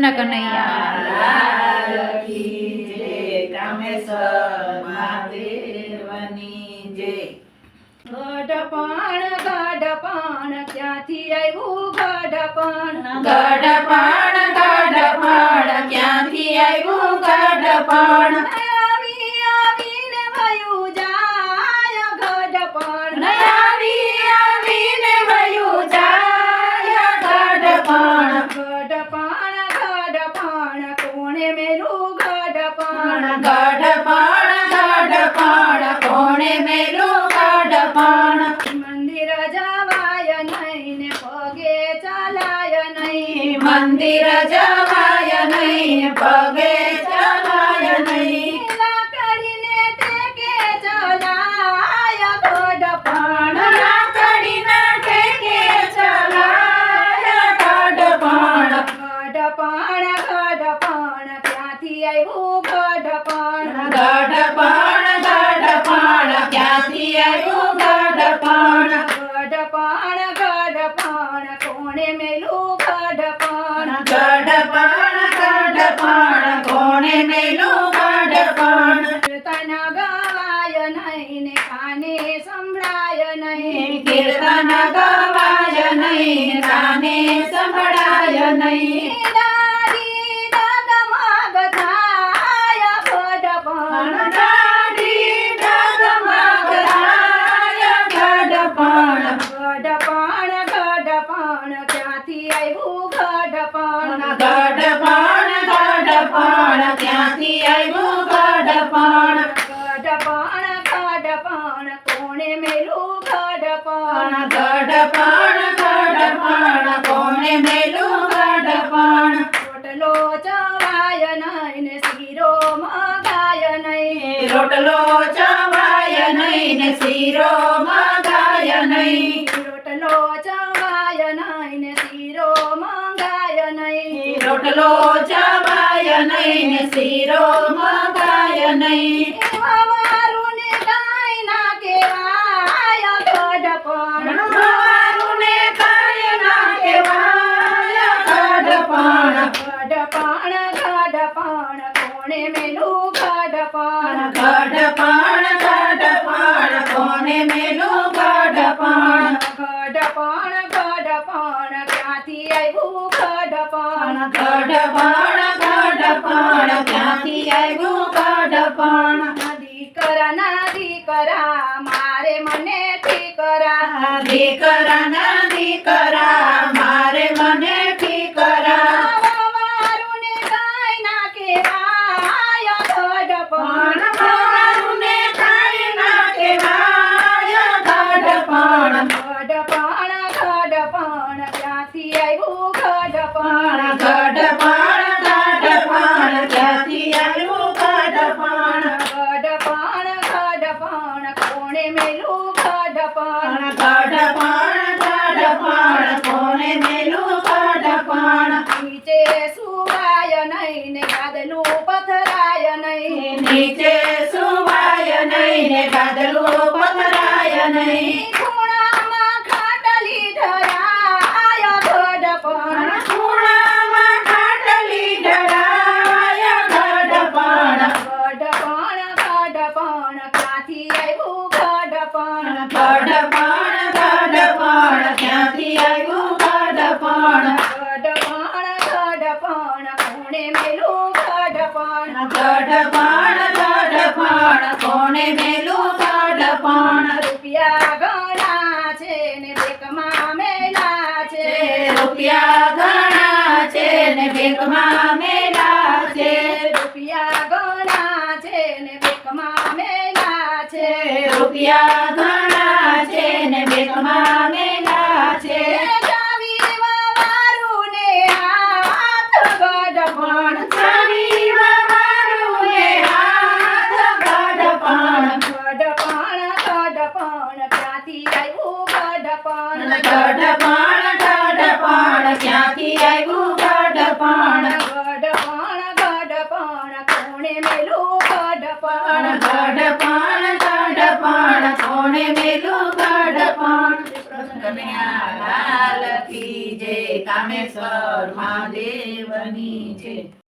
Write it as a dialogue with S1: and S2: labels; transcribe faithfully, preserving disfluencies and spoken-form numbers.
S1: કૃષ્ણ કનૈયા
S2: લાલ કી જય. કામેશ્વર મહાદેવની જય.
S3: ગઢપણ ગઢપણ ક્યાંથી આવ્યું ગઢપણ
S2: ગઢપણ ગઢપણ ક્યાંથી આવ્યું ગઢપણ
S3: આવી આવીને વયું જાય ગઢપણ
S2: આવી આવીને વયું જાય ગઢપણ
S3: ગઢપણ ગઢપણ કોણે મેલું ગઢપણ
S2: ગઢપણ ગઢપણ કોણે મેલું ગઢપણ
S3: મંદિર જવાય નહીં ને પગે ચાલાય નહીં
S2: મંદિર જવાય નહીં પગે ચલાય નહીં
S3: લાકડીને ટેકે ચલાય ગઢપણ
S2: લાકડીના ઠેકે ચલાય ગઢપણ
S3: ગઢપણ ગઢપણ ક્યાંથી આવ્યું ગઢપણ
S2: ગઢપણ ગઢપણ ક્યાંથી આવ્યું ગઢપણ
S3: ગઢપણ ગઢપણ કોણે મેલું ગઢપણ
S2: ગઢપણ ગઢપણ કોણે મેલું ગઢપણ
S3: કીર્તન ગવાય નહીં ને કાને સંભળાય નહીં
S2: કીર્તન ગવાય નહીં કાને સંભળાય નહીં
S3: દાદી ડગમગ થાય ગઢપણ
S2: દાઢી ડગમગ થાય ગઢપણ
S3: ગઢપણ ગઢપણ ક્યાંથી આવ્યું ગઢપણ
S2: ગઢપણ ગઢપણ ક્યાંથી આવ્યું ગઢપણ
S3: ગઢપણ ગઢપણ કોણે મેલું ગઢપણ
S2: ગઢપણ ગઢપણ કોણે મેલું ગઢપણ
S3: રોટલો ચવાય નહીં ને શીરો મગાય નહીં
S2: રોટલો ચવાય નહીં ને શીરો મગાય નહીં
S3: રોટલો ચવાય નહીં ને શીરો મંગાય નહીં
S2: રોટલો ચવાય નહીં ને શીરો મગાય નહીં
S3: વારું ને કાંઈ ના કહેવાય ગઢપણ
S2: મારું ને કાંઈ ના કહેવાય ગઢપણ
S3: ગઢપણ ગઢપણ કોણે મેલું ગઢપણ
S2: ગઢપણ ગઢપણ કોને મેલું ગઢપણ
S3: ગઢપણ ગઢપણ ક્યાંથી આવ્યું ગઢપણ
S2: ગઢપણ ગઢપણ ક્યાંથી આવ્યું ગઢપણ
S3: દીકરાના દીકરા મારે મને ઠીકરા
S2: દીકરાના દીકરા મારે મને ઠીકરા
S3: વારું ને કાંઈ ના કહેવાય ગઢપણ
S2: મારું ને કાંઈ ના કહેવાય ગઢપણ
S3: ગઢપણ ગઢપણ ક્યાંથી આવ્યું ગઢપણ
S2: ગઢપણ ગઢપણ ક્યાંથી આવ્યું ગઢપણ
S3: ગઢપણ ગઢપણ કોણે મેલું ગઢપણ
S2: ગઢપણ ગઢપણ કોને મેલું ગઢપણ
S3: નીચે સુવાય નહીં ને ગાદલું પથરાય નહીં
S2: નીચે સુવાય નહીં ને ગાદલું પથરાય નહીં
S3: ખૂણામાં ખાટલી ધરાય ગઢપણ
S2: ખૂણામાં ખાટલી ઢળાય ગઢપણ
S3: ગઢપણ ગઢપણ ક્યાંથી આવ્યું ગઢપણ
S2: ગઢપણ ગઢપણ ક્યાંથી આવ્યું ગઢપણ
S3: ગઢપણ ગઢપણ કોણે મેલું ગઢપણ
S2: ગઢપણ ગઢપણ કોને મેલું ગઢપણ
S3: રૂપિયા ઘણા છે ને બેકમાં મેલા છે
S2: રૂપિયા ઘણા છે ને બેંકમાં મેલા છે
S3: રૂપિયા ઘણા છે ને બેકમાં મેલા છે
S2: રૂપિયા ઘણા છે ને બેંકમાં મેલા છે
S3: જાવી વારું ને હાથ ગઢપણ
S2: ચાવી વાળું ને હાથ ગઢપણ
S3: ગઢપણ ગઢપણ ક્યાંથી આવ્યું ગઢપણ
S2: ગઢપણ ગઢપણ ક્યાંથી આવ્યું ગઢપણ
S3: ગઢપણ ગઢપણ કોણે મેલું ગઢપણ
S2: ગઢપણ ગઢપણ કોને મેલું ગઢપણ. કનૈયા લાલ કી જય. કામેશ્વર મહાદેવની છે.